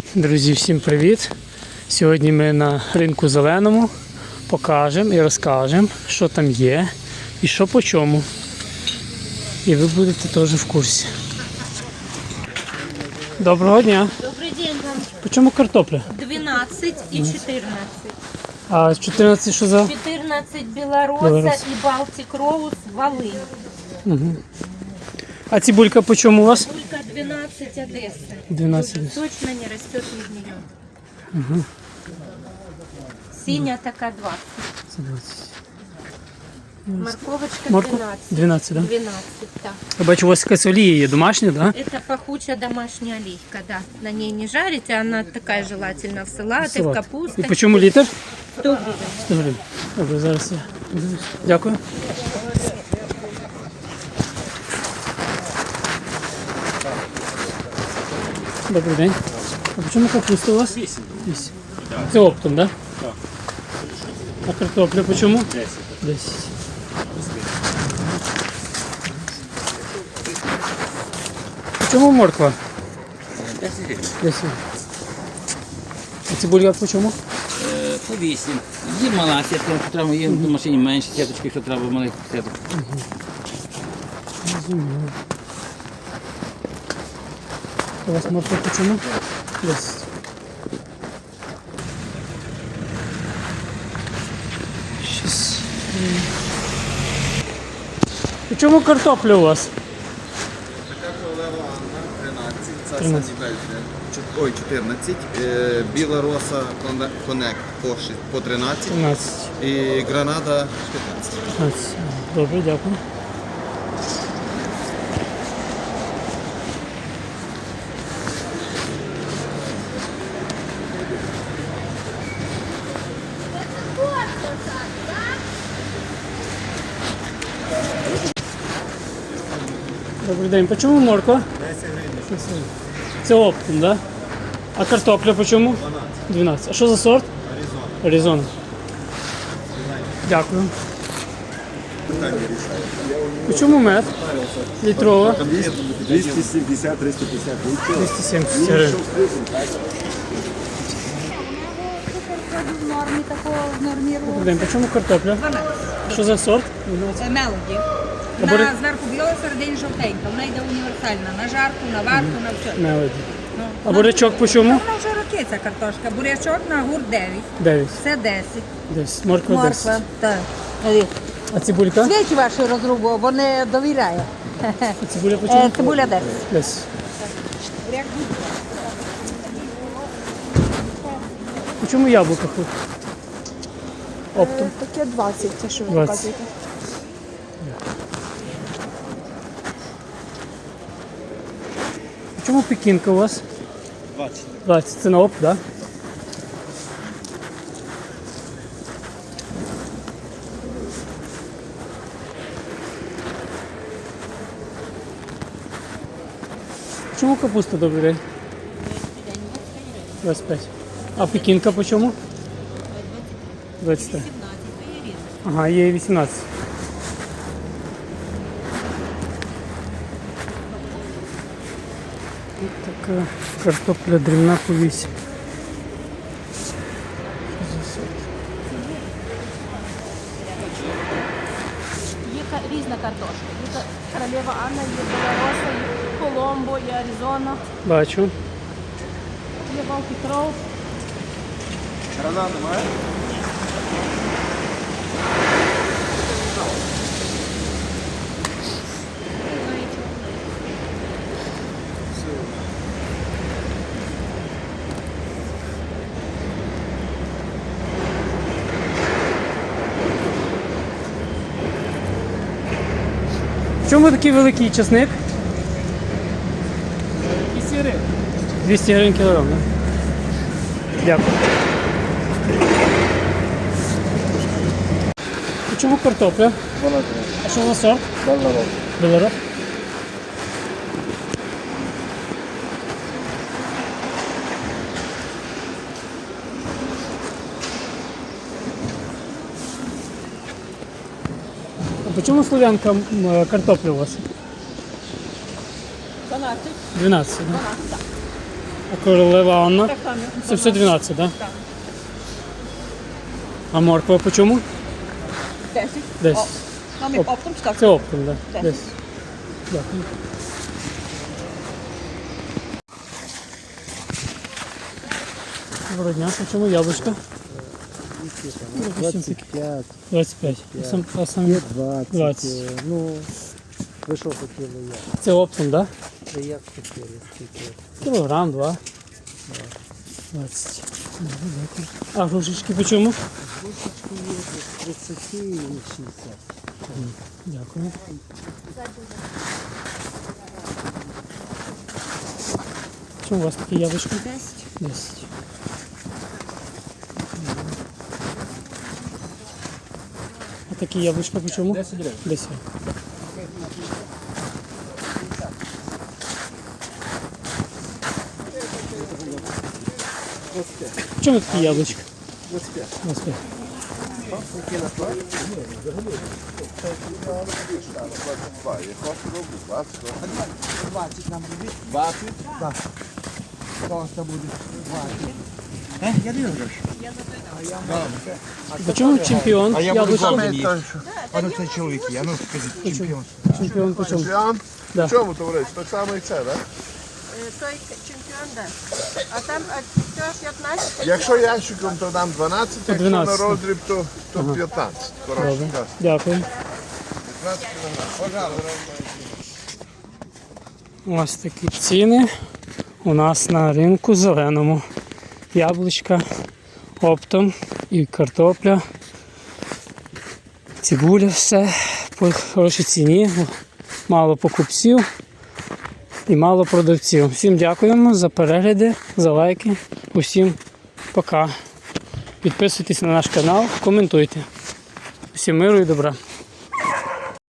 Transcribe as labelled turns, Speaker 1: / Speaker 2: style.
Speaker 1: Друзі, всім привіт! Сьогодні ми на ринку зеленому покажемо і розкажемо, що там є і що по чому. І ви будете теж в курсі. Доброго дня!
Speaker 2: Добрый день вам.
Speaker 1: По чому картопля?
Speaker 2: 12 и 14.
Speaker 1: А 14 що за?
Speaker 2: 14 Белороса
Speaker 1: Белорос.
Speaker 2: и Балтик Роуз Волынь.
Speaker 1: А цибулька по чому у вас?
Speaker 2: Только 12 Одесса.
Speaker 1: 12.
Speaker 2: Точно не растет из нее. Синяя такая 20.
Speaker 1: Це 20.
Speaker 2: Морковочка
Speaker 1: Морква?
Speaker 2: 12.
Speaker 1: 12, да?
Speaker 2: 12, да.
Speaker 1: Я бачу, у вас якась олія є домашня, да?
Speaker 2: Это пахучая домашняя оливка, да. На ней не жарите, она такая желательно в салаты, в
Speaker 1: Салат.
Speaker 2: капусту.
Speaker 1: І по чому літр?
Speaker 2: 100 гривен.
Speaker 1: 100 гривень. Добре, зараз я подивлюсь. Дякую. Добрий день. А по чому капуста у вас? 8. 8. Це оптом, да? Так. А картопля по чому? 10. 10. По чому морква?
Speaker 3: 10 гривень.
Speaker 1: 10. А цибулька по чому?
Speaker 3: По 8. Є мала сітка, якщо треба, є в машині менше сіточки, якщо треба малих сіток.
Speaker 1: Розумію. У вас морква по чому? 10. Щас. По чому картопля у вас?
Speaker 4: Така королева Анна, 13, царська
Speaker 1: 13.
Speaker 4: Бельгія. Ой, 14. Біла роса конек по 13
Speaker 1: 13.
Speaker 4: і гранада 15.
Speaker 1: 15. Добре, дякую. Добрий день. По чому морква? 10 гривень. Це оптом, да? А картопля по чому? 12. 12. А що за сорт? Аризона. Дякую. По чому мед? Літрова?
Speaker 5: 270, 350 літрів.
Speaker 1: 270 гривень.
Speaker 6: В нормі такого в нормі
Speaker 1: Добрий день. По чому картопля? Що за сорт? 12.
Speaker 6: мелоді.
Speaker 1: А бери-
Speaker 6: Вона зверху біла, всередині жовтенька. Вона йде універсальна. На жарку, на варку, на все.
Speaker 1: Мелоді. А бурячок по чому?
Speaker 6: Вона вже роки ця картошка. Бурячок на гурт 9.
Speaker 1: 9.
Speaker 6: Це 10.
Speaker 1: 10. Морква 10.
Speaker 6: Морква. Так.
Speaker 1: А цибулька?
Speaker 6: Свічі ваші розрубу, бо не довіряє.
Speaker 1: А цибуля по чому?
Speaker 6: Цибуля 10.
Speaker 1: 10. По чому яблука хоч? Оптом.
Speaker 7: Таке 20, те, що ви
Speaker 1: 20.
Speaker 7: показуєте.
Speaker 1: По чому пекінка у вас?
Speaker 4: 20.
Speaker 1: 20. Це на опт, так? Да? Чому капуста, добрий день? 25. А пекінка по чому? 23. Ага, є і 18. Ось така картопля дрібна по 8.
Speaker 7: Є різна картошка. Є королева Анна, є Белороса, є Коломбо, є Аризона,
Speaker 1: Бачу.
Speaker 7: є Балтик Роуз.
Speaker 4: Гранада немає?
Speaker 1: В чому такий великий часник? 200 гривень. 200 гривень кілограм, так? Дякую. В чому картопля?
Speaker 5: 12
Speaker 1: А що за сорт?
Speaker 5: гривень.
Speaker 1: Белорос. А по чому слов'янка картопля у вас?
Speaker 7: 12.
Speaker 1: 12, да? А королева Анна? Це все 12, так? Да? А морква по чому?
Speaker 6: 10.
Speaker 1: 10.
Speaker 6: Нам і оптом так.
Speaker 1: Це оптом, так. Да.
Speaker 6: 10.
Speaker 1: 10. Дякую. Доброго дня, по чому яблучко?
Speaker 8: 25,
Speaker 1: 25. А сам
Speaker 8: 20.
Speaker 1: 20.
Speaker 8: Ну, ви що хотіли я?
Speaker 1: Це оптом, так? Да?
Speaker 8: Це як хотіли, скільки?
Speaker 1: Кілограм, 2. 20. Дякую. А грушечки по чому?
Speaker 8: Кусочки є від 30 і 60.
Speaker 1: Дякую. Чому у вас такі яблучки? 10. 10. А такі яблучка по чому? 10 гривень. 10. В чому такі яблучка? 25. 25. По чому чемпіон? Яблучко?
Speaker 9: А ну це чоловік, я ну скажіть, чемпіон.
Speaker 1: Чемпіон по чому?
Speaker 9: Чемпіон?
Speaker 1: Да.
Speaker 9: В чому товариш? Так само і це, так?
Speaker 7: Той чемпіон, да. А там це 15.
Speaker 9: Якщо ящиком, то дам 12,
Speaker 1: То
Speaker 9: якщо
Speaker 1: 12.
Speaker 9: на роздріб, то 15. Коротше,
Speaker 1: Добре.
Speaker 9: так.
Speaker 1: Дякую.
Speaker 9: 15 кілограм.
Speaker 1: Ось такі ціни у нас на ринку зеленому. Яблучка оптом і картопля, цибуля, все по хорошій ціні, мало покупців і мало продавців. Всім дякуємо за перегляди, за лайки. Усім пока. Підписуйтесь на наш канал, коментуйте. Всім миру і добра.